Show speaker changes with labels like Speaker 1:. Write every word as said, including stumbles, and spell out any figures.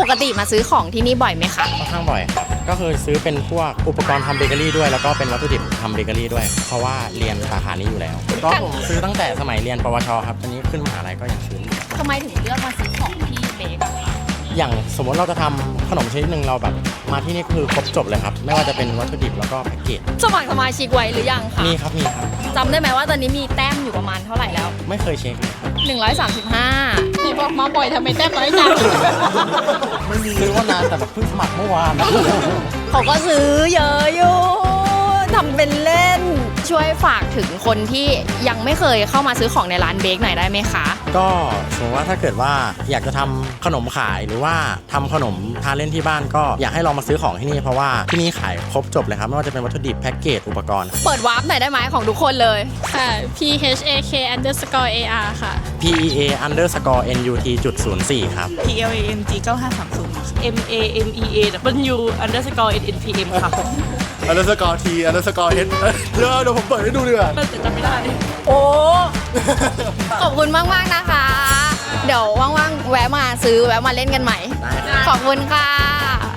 Speaker 1: กติมาซื้อของที่นี่บ่อยไหมคะ
Speaker 2: ค่อนข้างบ่อยครับก็คือซื้อเป็นพวกอุปกรณ์ทำเบเกอรี่ด้วยแล้วก็เป็นวัตถุดิบทำเบเกอรี่ด้วยเพราะว่าเรียนสาขานี้อยู่แล้วก็ผมซื้อตั้งแต่สมัยเรียนปวชครับตอนนี้ขึ้นมหาลัยก็ยังซื้ออยู่
Speaker 1: ทำไมถึงเลือกมาซื้อของที่เบกอะคะ
Speaker 2: อย่างสมมติเราจะทำขนมชนิดหนึ่งเราแบบมาที่นี่คือครบจบเลยครับไม่ว่าจะเป็นวัตถุดิบแล้วก็แพ็กเกจ
Speaker 1: สมัครสมาชิกไว้หรือยังคะ
Speaker 2: มีครับมีครับ
Speaker 1: จำได้ไหมว่าตอนนี้มีแต้มอยู่ประมาณเท่าไหร่แล้ว
Speaker 2: ไม่เคยเช็คเลยครับ
Speaker 1: หนึ่งร้อยสามสิบห้า
Speaker 3: นี่บอกมาบ่อยทำไมแต้มน้อยจัง
Speaker 2: ไม่มีซื้อว่านานแต่แบบเพิ่งสมัครเมื่อวาน
Speaker 1: เขาก็ซื้อเยอะอยู่ทำเป็นเล่นช่วยฝากถึงคนที่ยังไม่เคยเข้ามาซื้อของในร้านเบคหน่อยได้ไหมคะ
Speaker 2: ก็สมมติว่าถ้าเกิดว่าอยากจะทำขนมขายหรือว่าทำขนมทานเล่นที่บ้านก็อยากให้ลองมาซื้อของที่นี่เพราะว่าที่นี่ขายครบจบเลยครับไม่ว่าจะเป็นวัตถุดิบแพ็กเกจอุปกรณ์
Speaker 1: เปิดวาร์ปหน่อยได้ไหมของทุกคนเลย
Speaker 3: ค่ะ p h a k underscore ar ค่ะ
Speaker 2: p e a underscore n u t จุดศูนย์สี่ครับ
Speaker 4: p l a m g เก้าห้าสามศูนย์ m a m e a w underscore n n p m ค่ะ
Speaker 5: underscore t underscore h เดี๋ยวเดี๋ยวผมเปิดให้ดูดีกว่า
Speaker 4: แต่จำไม่ได้
Speaker 1: โอ้ขอบคุณมากๆนะคะเดี๋ยวว่างๆแวะมาซื้อแวะมาเล่นกันใหม่ขอบคุณค่ะ